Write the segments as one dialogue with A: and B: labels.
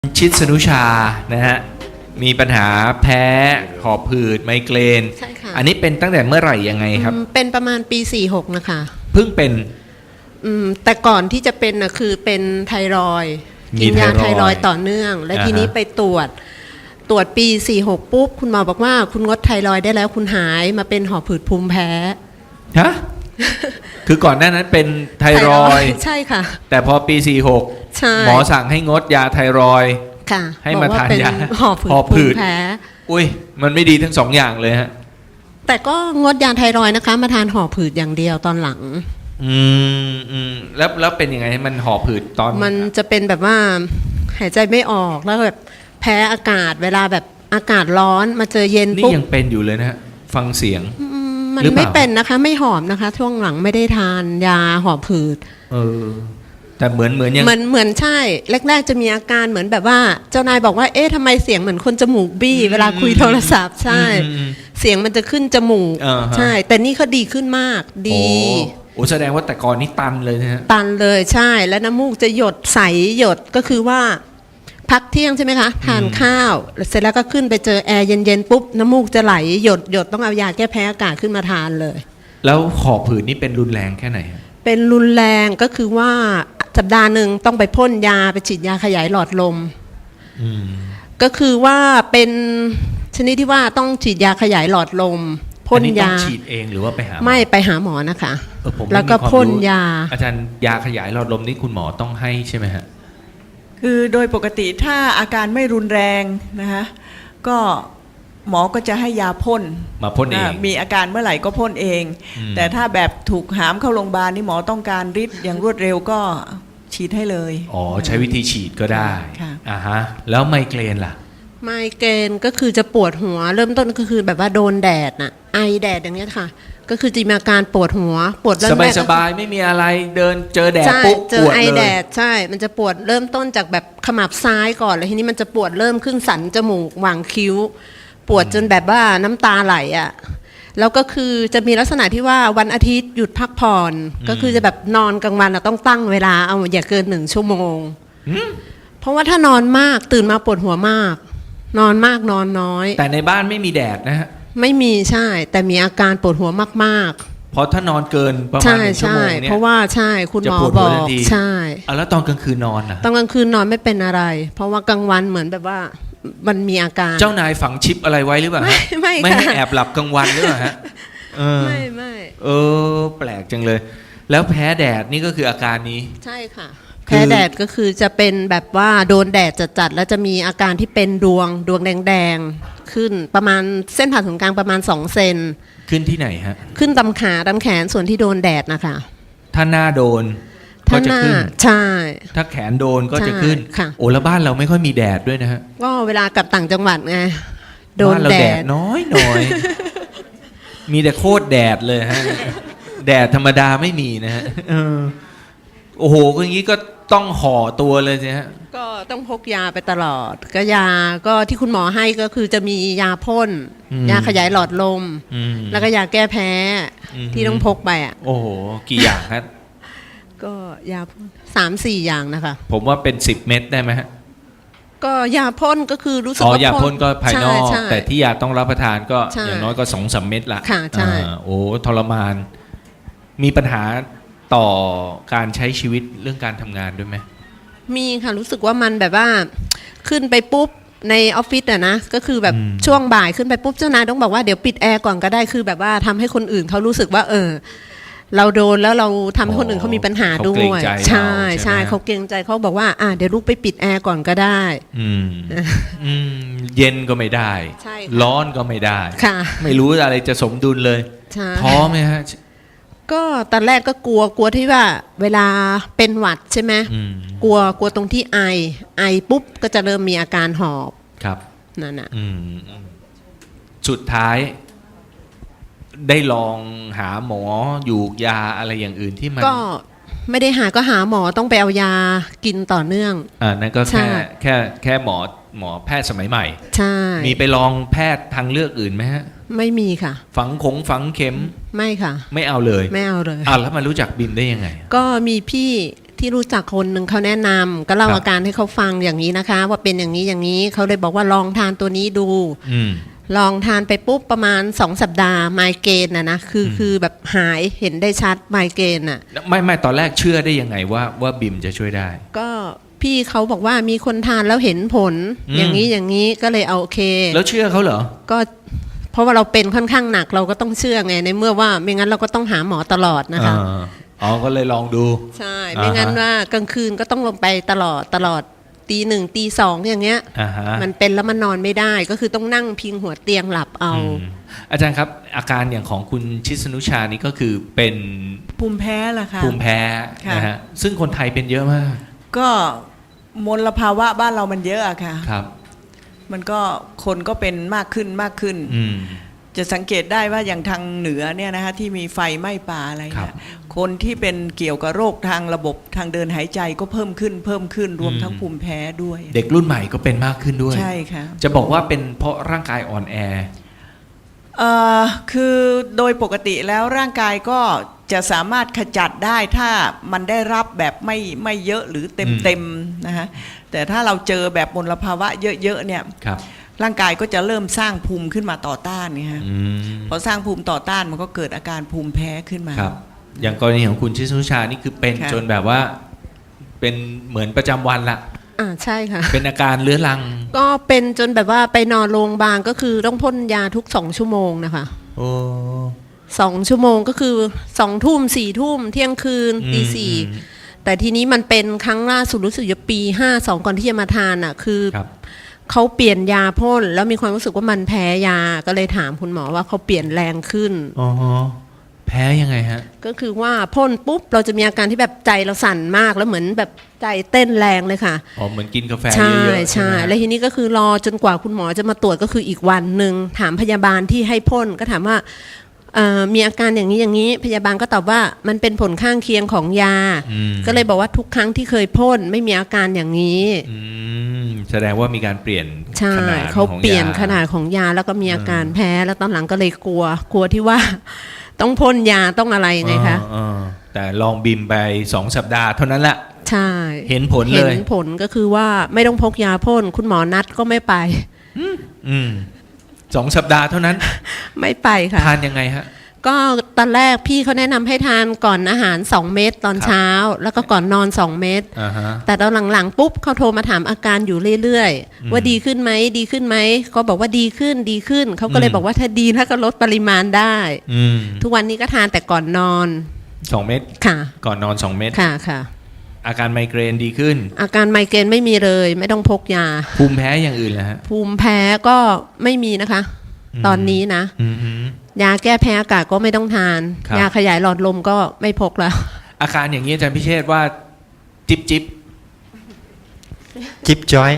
A: ชิดสนุชานะฮะมีปัญหาแพ้หอบหืดไมเกรน
B: ใช่ค่ะ
A: อันนี้เป็นตั้งแต่เมื่อไหร่ยังไงครับ
B: เป็นประมาณปี46นะคะ
A: เพิ่งเป็น
B: แต่ก่อนที่จะเป็นนะคือเป็นไทรอยด์กินยาไทรอยด์ต่อเนื่อง และทีนี้ไปตรวจปี46ปุ๊บคุณหมอบอกว่าคุณงดไทรอยด์ได้แล้วคุณหายมาเป็นหอบหืดภูมิแพ้
A: ฮะ คือก่อนหน้านั้นเป็นไทรอยด์
B: ใช่ค่ะ
A: แต่พอปี46หมอสั่งให้งดยาไทรอยด์
B: ค่ะ
A: ให้มาทานยา
B: หอบหืดภูมิแพ้
A: อุ้ยมันไม่ดีทั้งสองอย่างเลยฮะ
B: แต่ก็งดยาไทรอยด์นะคะมาทานหอบหืดอย่างเดียวตอนหลัง
A: แล้วเป็นยังไงมันหอบหืดตอน
B: มันจะเป็นแบบว่าหายใจไม่ออกแล้วแบบแพ้อากาศเวลาแบบอากาศร้อนมาเจอเย็นปุ๊บ
A: นี่ยังเป็นอยู่เลยนะฮะฟังเสียง
B: มันไม่เป็นนะคะไม่หอบนะคะช่วงหลังไม่ได้ทานยาหอบหืด
A: แต่เหมือนยัง
B: เหมือนใช่แรกๆจะมีอาการเหมือนแบบว่าเจ้านายบอกว่าเอ๊ะทำไมเสียงเหมือนคนจมูกบี้เวลาคุยโทรศัพท์ใช่เสียงมันจะขึ้นจมูกใช่แต่นี่เขาดีขึ้นมากดี
A: โอ้แสดงว่าแต่ก่อนนี่ตันเลยนะฮะ
B: ตันเลยใช่แล้วน้ำมูกจะหยดใสหยดก็คือว่าพักเที่ยงใช่ไหมคะทานข้าวเสร็จแล้วก็ขึ้นไปเจอแอร์เย็นๆปุ๊บน้ำมูกจะไหลหยดต้องเอายาแก้แพ้อากาศขึ้นมาทานเลย
A: แล้วหอบหืดนี่เป็นรุนแรงแค่ไหน
B: เป็นรุนแรงก็คือว่าสัปดาห์หนึ่งต้องไปพ่นยาไปฉีดยาขยายหลอดลมก็คือว่าเป็นชนิดที่ว่าต้องฉีดยาขยายหลอดลมพ่นยา
A: ฉีดเองหรือว่าไปหา
B: ไม่ไปหาหมอนะคะแล้วก็พ่นยา
A: อาจารย์ยาขยายหลอดลมนี่คุณหมอต้องให้ใช่ไหมฮะ
C: คือโดยปกติถ้าอาการไม่รุนแรงนะคะก็หมอก็จะให้ยาพ่น
A: มาพ่นเอง
C: มีอาการเมื่อไหร่ก็พ่นเองแต่ถ้าแบบถูกหามเข้าโรงพยาบาลนี่หมอต้องการฤทธิ์อย่างรวดเร็วก็ฉีดให้เลย
A: อ๋อใช้วิธีฉีดก็ได้ฮะแล้วไมเกรนล่ะ
B: ไมเกรนก็คือจะปวดหัวเริ่มต้นก็คือแบบว่าโดนแดดน่ะไอแดดอย่างเงี้ยค่ะก็คือจะมีอาการปวดหัวปวดเริ่มแรก
A: สบายๆไม่มีอะไรเดินเจอแดดปุ๊บ
B: เจอไอแดดใช่มันจะปวดเริ่มต้นจากแบบขมับซ้ายก่อนแล้วทีนี้มันจะปวดเริ่มขึ้นสันจมูกหว่างคิ้วปวดจนแบบว่าน้ำตาไหลอ่ะแล้วก็คือจะมีลักษณะที่ว่าวันอาทิตย์หยุดพักผ่อนก็คือจะแบบนอนกลางวันต้องตั้งเวลาเอาอย่าเกิน1 ชั่วโมงเพราะว่าถ้านอนมากตื่นมาปวดหัวมากนอนมากนอนน้อย
A: แต่ในบ้านไม่มีแดดนะฮะ
B: ไม่มีใช่แต่มีอาการปวดหัวมาก
A: ๆเพราะถ้านอนเกินประมาณ1 ชั่วโมงเนี่ย
B: เพราะว่าใช่คุณหมอบอกใช่
A: แล้วตอนกลางคืนนอนอ่ะ
B: ตอนกลางคืนนอนไม่เป็นอะไรเพราะว่ากลางวันเหมือนแบบว่ามันมีอาการ
A: เจ้านายฝังชิปอะไรไว้หรือเปล่าไม่ให้แอบหลับกลางวันหรือเปล่าฮะ
B: ไม่
A: แปลกจังเลยแล้วแพ้แดดนี่ก็คืออาการนี้
B: ใช่ค่ะแพ้แดดก็คือจะเป็นแบบว่าโดนแดดจัดๆแล้วจะมีอาการที่เป็นดวงแดงๆขึ้นประมาณเส้นผ่าศูนย์กลางประมาณ2 เซน
A: ขึ้นที่ไหนฮะ
B: ขึ้นตำขาตำแขนส่วนที่โดนแดดนะคะ
A: ถ้าหน้าโดนก็จะขึ้น
B: ใช่
A: ถ้าแขนโดนก็จะขึ้นโอ้แล้วบ้านเราไม่ค่อยมีแดดด้วยนะฮะ
B: ก็เวลากลับต่างจังหวัดไงโดนแดด
A: น้อยมีแต่โคตรแดดเลยฮะแดดธรรมดาไม่มีนะฮะโอ้โหอย่างนี้ก็ต้องห่อตัวเลยใช่ฮะ
B: ก็ต้องพกยาไปตลอดก็ยาก็ที่คุณหมอให้ก็คือจะมียาพ่นยาขยายหลอดลมแล้วก็ยาแก้แพ้ที่ต้องพกไปอ่ะ
A: โอ้โหกี่อย่างครับ
B: ก็ยาพ่น3-4 อย่างนะคะ
A: ผมว่าเป็น10 เม็ดได้ไหมฮะ
B: ก็ยาพ่นก็คือรู้สึกว่าย
A: าพ่นก็ภายนอกแต่ที่ยาต้องรับประทานก็อย่างน้อยก็2-3 เม็ดละ
B: ค่ะใช่
A: โอ้ทรมานมีปัญหาต่อการใช้ชีวิตเรื่องการทำงานด้วยไหม
B: มีค่ะรู้สึกว่ามันแบบว่าขึ้นไปปุ๊บในออฟฟิศอะนะก็คือแบบช่วงบ่ายขึ้นไปปุ๊บเจ้านายต้องบอกว่าเดี๋ยวปิดแอร์ก่อนก็ได้คือแบบว่าทำให้คนอื่นเขารู้สึกว่าเราโดนแล้วเราทำให้คนอื่นเขามีปัญหาด้วยใช่เขาเกรงใจเขาบอกว่าเดี๋ยวลูกไปปิดแอร์ก่อนก็ได้
A: เย็นก็ไม่ได้ร้อนก็ไม่ได้ไม่รู้อะไรจะสมดุลเลยท้อไหมฮะ
B: ก็ตอนแรกก็กลัวที่ว่าเวลาเป็นหวัดใช่ไหมกลัวตรงที่ไอปุ๊บก็จะเริ่มมีอาการหอบ
A: ครับ
B: นั่นน่ะ
A: สุดท้ายได้ลองหาหมออยู่ยาอะไรอย่างอื่นที่มัน
B: ก็ไม่ได้หาก็หาหมอต้องไปเอายากินต่อเนื่อง
A: นั่นก็แค่หมอแพทย์สมัยใหม่
B: ใช่
A: มีไปลองแพทย์ทางเลือกอื่นไหมฮะ
B: ไม่มีค่ะ
A: ฝังเข็ม
B: ไม่ค่ะ
A: ไม่เอาเลย
B: ไม่เอาเลย
A: แล้วมารู้จักบิมได้ยังไง
B: ก็มีพี่ที่รู้จักคนหนึ่งเขาแนะนำก็เล่า
A: ครับ
B: อาการให้เขาฟังอย่างนี้นะคะ ว่าเป็นอย่างนี้อย่างนี้เขาเลยบอกว่าลองทานตัวนี้ดู
A: อืม
B: ลองทานไปปุ๊บประมาณ2 สัปดาห์ไมเกรนนะคือแบบหายเห็นได้ชัดไมเกรนอ่ะ
A: ไม่ตอนแรกเชื่อได้ยังไงว่าบิมจะช่วยได้
B: ก็พี่เขาบอกว่ามีคนทานแล้วเห็นผล
A: อืม
B: อย่างนี้อย่างนี้ก็เลยเอาโอเค
A: แล้วเชื่อเขาเหรอ
B: ก็เพราะว่าเราเป็นค่อนข้างหนักเราก็ต้องเชื่อไงในเมื่อว่าไม่งั้นเราก็ต้องหาหมอตลอดนะคะ
A: อ๋อก็เลยลองดู
B: ใช่ไม่งั้น
A: อ่าฮะ
B: ว่ากลางคืนก็ต้องลงไปตลอดตี 1ตี 2อย่างเงี้ย
A: อ่าฮะ
B: มันเป็นแล้วมันนอนไม่ได้ก็คือต้องนั่งพิงหัวเตียงหลับเอา
A: อืมอาจารย์ครับ อาการอย่างของคุณชิสนุชานี่ก็คือเป็น
C: ภูมิแพ้ล่ะค่ะ
A: ภูมิแพ้
C: ค่ะ
A: นะฮะซึ่งคนไทยเป็นเยอะมาก
C: ก็มลภาวะบ้านเรามันเยอะอะค่ะ
A: ครับ
C: มันก็คนก็เป็นมากขึ้น
A: อืม
C: จะสังเกตได้ว่าอย่างทางเหนือเนี่ยนะคะที่มีไฟไหม้ป่าอะไร
A: ครั
C: เนี่ย
A: บ
C: คนที่เป็นเกี่ยวกับโรคทางระบบทางเดินหายใจก็เพิ่มขึ้นรวมทั้งภูมิแพ้ด้วย
A: เด็กรุ่นใหม่ก็เป็นมากขึ้นด้วย
C: ใช่ค่ะ
A: จะบอกว่าเป็นเพราะร่างกายอ่อนแอ
C: คือโดยปกติแล้วร่างกายก็จะสามารถขจัดได้ถ้ามันได้รับแบบไม่เยอะหรือเต็มนะฮะแต่ถ้าเราเจอแบบมลภาวะเยอะๆเนี่ย
A: ครับ
C: ร่างกายก็จะเริ่มสร้างภูมิขึ้นมาต่อต้านเนี่ยฮะ
A: อืม
C: พอสร้างภูมิต่อต้านมันก็เกิดอาการภูมิแพ้ขึ้นมา
A: ครับ อย่างกรณีของคุณชิสนุชานี่คือเป็น
C: ค่ะ
A: จนแบบว่า เป็นเหมือนประจำวันละ
B: ใช่ค่ะ
A: เป็นอาการเรื้อรัง
B: ก็เป็นจนแบบว่าไปนอนโรงพยาบาลก็คือต้องพ่นยาทุก2 ชั่วโมงนะคะ
A: โอ้
B: 2 ชั่วโมงก็คือ2 ทุ่ม4 ทุ่มเที่ยงคืนตี 4แต่ทีนี้มันเป็นครั้งล่าสุดรู้สึกจะปี52ก่อนที่จะมาทานอ่ะคือ
A: ครับ
B: เขาเปลี่ยนยาพ่นแล้วมีความรู้สึกว่ามันแพ้ยาก็เลยถามคุณหมอว่าเขาเปลี่ยนแรงขึ้น
A: อ๋อแพ้ยังไงฮะ
B: ก็คือว่าพ่นปุ๊บเราจะมีอาการที่แบบใจเราสั่นมากแล้วเหมือนแบบใจเต้นแรงเลยค่ะ
A: อ๋อ เหมือนกินกาแฟ
B: ใช่
A: เยอะๆ
B: ใช่
A: ไหม
B: แล้วทีนี้ก็คือรอจนกว่าคุณหมอจะมาตรวจก็คืออีกวันหนึ่งถามพยาบาลที่ให้พ่นก็ถามว่ามีอาการอย่างนี้อย่างนี้พยาบาลก็ตอบว่ามันเป็นผลข้างเคียงของยา
A: อืม
B: ก็เลยบอกว่าทุกครั้งที่เคยพ่นไม่มีอาการอย่างนี้
A: อืมแสดงว่ามีการเปลี่ยน
B: ใช่
A: ขนาด
B: เขา
A: ของ
B: เปลี่ยน
A: า
B: ขนาดของยาแล้วก็มีอาการแพ้แล้วตอนหลังก็เลยกลัวที่ว่า ต้องพ่นยาต้องอะไรไงคะ
A: แต่ลองบิมไป2 สัปดาห์เท่านั้นแหละ
B: ใช่
A: เห็นผลเลย
B: เห็นผลก็คือว่าไม่ต้องพกยาพ่นคุณหมอนัดก็ไม่ไป
A: อืม2 สัปดาห์เท่านั้น
B: ไม่ไปค่ะ
A: ทานยังไงฮะ
B: ก็ตอนแรกพี่เขาแนะนำให้ทานก่อนอาหาร2 เม็ดตอน
A: ครับ
B: เช้า แล้วก็ก่อนนอน2 เม็ด
A: อ่าฮะ
B: แต่ตอนหลังๆปุ๊บเขาโทรมาถามอาการอยู่เรื่อย
A: อืม
B: ๆว่าดีขึ้นไหมดีขึ้นไหมก็บอกว่าดีขึ้นเขาก็เลย
A: อืม
B: บอกว่าถ้าดีถ้าก็ลดปริมาณได้
A: อืม
B: ทุกวันนี้ก็ทานแต่ก่อนนอน
A: 2 เม็ด
B: ค่ะ
A: ก่อนนอน 2 เม็ด
B: ค่ะ
A: อาการไมเกรนดีขึ้น
B: อาการไมเกรนไม่มีเลยไม่ต้องพกยา
A: ภูมิแพ้อย่างอื่นแล้วฮะ
B: ภูมิแพ้ก็ไม่มีนะคะ ตอนนี้นะ
A: อืมฮึ
B: ยาแก้แพ้อากาศก็ไม่ต้องทาน
A: ครับ
B: ยาขยายหลอดลมก็ไม่พกแล้ว
A: อาการอย่างนี้อาจารย์พิเชษว่าจิบ
D: จิ๊บจอย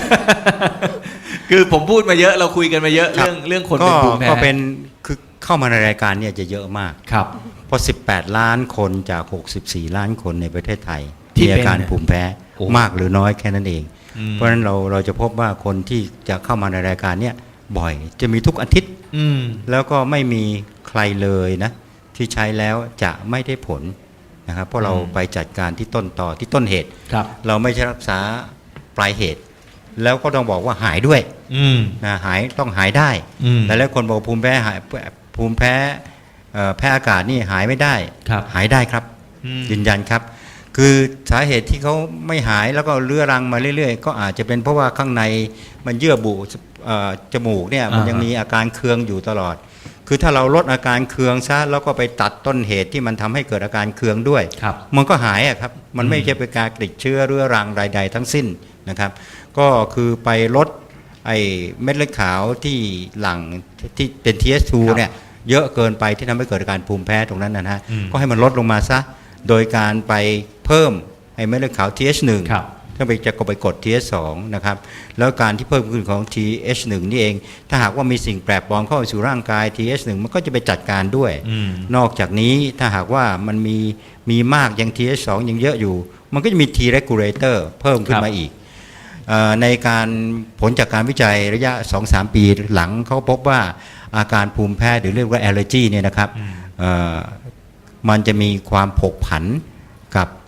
A: คือผมพูดมาเยอะเราคุยกันมาเยอะ
D: ครับ
A: เรื่องคนเป็นภูมิแพ้
D: ก็เป็นคือเข้ามาในรายการเนี่ยจะเยอะมาก
A: ครับ
D: เพราะ 18 ล้านคนจาก 64 ล้านคนในประเทศไทย
A: ที่
D: มีอาการ
A: เป็น
D: ภูมิแพ้
A: โอ้
D: มากหรือน้อยแค่นั้นเอง
A: อืม
D: เพราะฉะนั้นเราจะพบว่าคนที่จะเข้ามาในรายการเนี่ยบ่อยจะมีทุกอาทิตย์
A: อืม
D: แล้วก็ไม่มีใครเลยนะที่ใช้แล้วจะไม่ได้ผลนะครับเพราะเราไปจัดการที่ต้นต่อที่ต้นเหตุ
A: ครับ
D: เราไม่ใช่รักษาปลายเหตุ แล้วก็ต้องบอกว่าหายด้วย
A: อืม
D: นะต้องหายได้
A: อืม
D: แต่แล้วคนบอกภูมิแพ้หายภูมิแพ้แพ้อากาศนี่หายไม่ได้
A: ครับ
D: หายได้ครับ
A: อืม
D: ยืนยันครับ คือสาเหตุที่เขาไม่หายแล้วก็เรื้อรังมาเรื่อยๆ ก็อาจจะเป็นเพราะว่าข้างในมันเยื่อบุจมูกเนี่ยมันยังมีอาการเคืองอยู่ตลอด คือถ้าเราลดอาการเคืองซะแล้วก็ไปตัดต้นเหตุที่มันทำให้เกิดอาการเคืองด้วย
A: ครับ
D: มันก็หายอะครับ มันไม่ใช่เป็นการติดเชื้อเรื้อรังใดๆทั้งสิ้นนะครับ ก็คือไปลดไอ้เม็ดเลือดขาวที่หลั่งที่เป็น TH2
A: ครับ
D: เนี่ยเยอะเกินไปที่ทำให้เกิดอาการภูมิแพ้ตรงนั้นนะฮะ
A: อืม
D: ก็ให้มันลดลงมาซะ โดยการไปเพิ่มไอ้เม็ดเลือดขาว TH1
A: ครับ
D: ถ้าไปจะก็ไปกด TH2 นะครับ แล้วการที่เพิ่มขึ้นของ TH1 นี่เอง ถ้าหากว่ามีสิ่งแปลกปลอมเข้าไปสู่ร่างกาย TH1 มันก็จะไปจัดการด้วย
A: อืม
D: นอกจากนี้ถ้าหากว่ามันมีมากยัง TH2 ยังเยอะอยู่ มันก็จะมี T regulator เพิ่มขึ้นมาอีกในการผลจากการวิจัยระยะ 2-3 ปีหลังเขาพบว่าอาการภูมิแพ้หรือเรียกว่า allergy เนี่ยนะครับมันจะมีความผกผันกับ T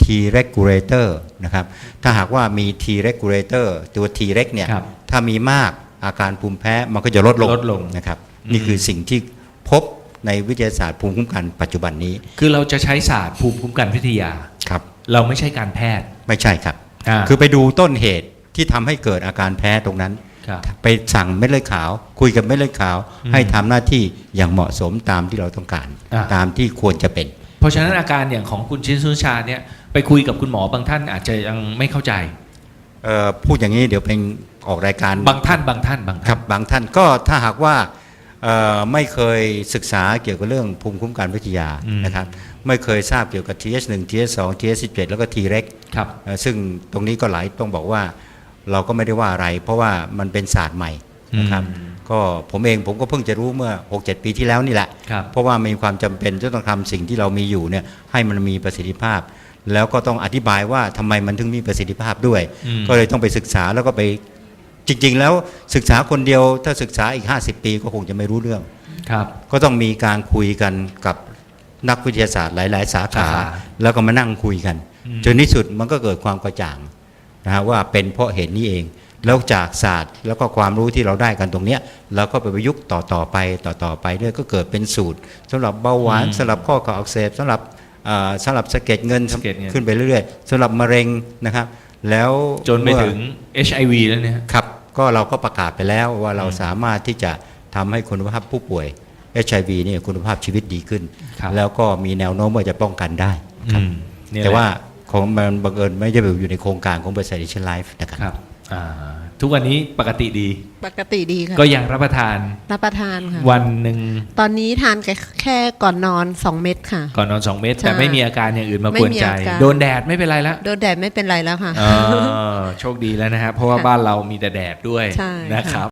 D: T regulator นะครับถ้าหากว่ามี T regulator ตัว T reg เนี่ย
A: ครับ
D: ถ้ามีมากอาการภูมิแพ้มันก็จะลดลงนะครับนี่คือสิ่งที่พบในวิทยาศาสตร์ภูมิคุ้มกันปัจจุบันนี้
A: คือเราจะใช้ศาสตร์ภูมิคุ้มกันวิทยา
D: ครับ
A: เราไม่ใช่การแพทย์
D: ไม่ใช่ครับ
A: อ่า
D: คือไปดูต้นเหตุที่ทำให้เกิดอาการแพ้ตรงนั้น
A: ครับ
D: ไปสั่งเม็ดเลือดขาว คุยกับเม็ดเลือดขาว
A: อืม
D: ให้ทำหน้าที่อย่างเหมาะสมตามที่เราต้องการ
A: อ่า
D: ตามที่ควรจะเป็น
A: เพราะฉะนั้นอาการอย่างของคุณชินสุชาเนี่ยไปคุยกับคุณหมอบางท่านอาจจะยังไม่เข้าใจ
D: พูดอย่างนี้เดี๋ยวเป็นออกรายการ
A: บางท่าน
D: ครับบางท่านก็ถ้าหากว่าไม่เคยศึกษาเกี่ยวกับเรื่องภูมิคุ้มกันวิทยา
A: อืม
D: นะครับไม่เคยทราบเกี่ยวกับ TH1 TH2 TH17 แล้วก็ T-REG
A: ครับ
D: ซึ่งตรงนี้ก็หลายต้องบอกว่าเราก็ไม่ได้ว่าอะไร เพราะว่ามันเป็นศาสตร์ใหม่นะครับ
A: อืม
D: ก็ผมก็เพิ่งจะรู้เมื่อ 6-7 ปีที่แล้วนี่แหละ
A: ครับ
D: เพราะว่ามีความจำเป็นจะต้องทำสิ่งที่เรามีอยู่เนี่ยให้มันมีประสิทธิภาพ แล้วก็ต้องอธิบายว่าทำไมมันถึงมีประสิทธิภาพด้วย
A: อืม
D: ก็เลยต้องไปศึกษาแล้วก็ไปจริง ๆ แล้วศึกษาคนเดียวถ้าศึกษาอีก 50 ปีก็คงจะไม่รู้เรื่อง
A: ครับ
D: ก็ต้องมีการคุยกันกับนักวิทยาศาสตร์หลาย ๆ สาขา
A: สาขา
D: แล้วก็มานั่งคุยกัน
A: อืม
D: จนที่สุดมันก็เกิดความกระจ่างนะฮะว่าเป็นเพราะเหตุนี้เอง แล้วจากศาสตร์แล้วก็ความรู้ที่เราได้กันตรงเนี้ยเราก็ไปประยุกต์ต่อไปเรื่อยก็เกิดเป็นสูตรสำหรับเบาหวานสำหรับข้อเข่าอักเสบสำหรับสะเก็ดเงิน
A: สะเก็ดเงิน
D: ขึ้นไปเรื่อยๆสำหรับมะเร็งนะครับแล้ว
A: จนไปถึง HIV แล้วเนี่ย
D: ครับก็เราก็ประกาศไปแล้วว่าเราสามารถที่จะทำให้คุณภาพผู้ป่วย HIV เนี่ยคุณภาพชีวิตดีขึ้น
A: ครับ
D: แล้วก็มีแนวโน้มว่าจะป้องกันได้ครับ
A: นี่หละ
D: แต่ว่าของมันบังเอิญไม่ได้อยู่ในโครงการของบริษัท Asian Life นะครับ
A: ครับอ่าทุกวันนี้ปกติดี
B: ปกติดีค่ะ
A: ก็ยังรับประทาน
B: รับประทานค่ะ
A: วันหนึ่ง
B: ตอนนี้ทานแค่ก่อนนอน 2 เม็ดค่ะ
A: ก่อนนอน 2 เม็ด
B: ใช่
A: แต่ไม่มีอาการอย่างอื่นมากวน
B: ไม่มี
A: ใจ
B: อาการ
A: โดนแดดไม่เป็นไรแล้ว
B: โดนแดดไม่เป็นไรแล้วค่ะ
A: โชคดีแล้วนะครับเพราะว่า
B: ค่ะ
A: บ้านเรามีแต่แดดด้วย
B: ใช่
A: นะครับ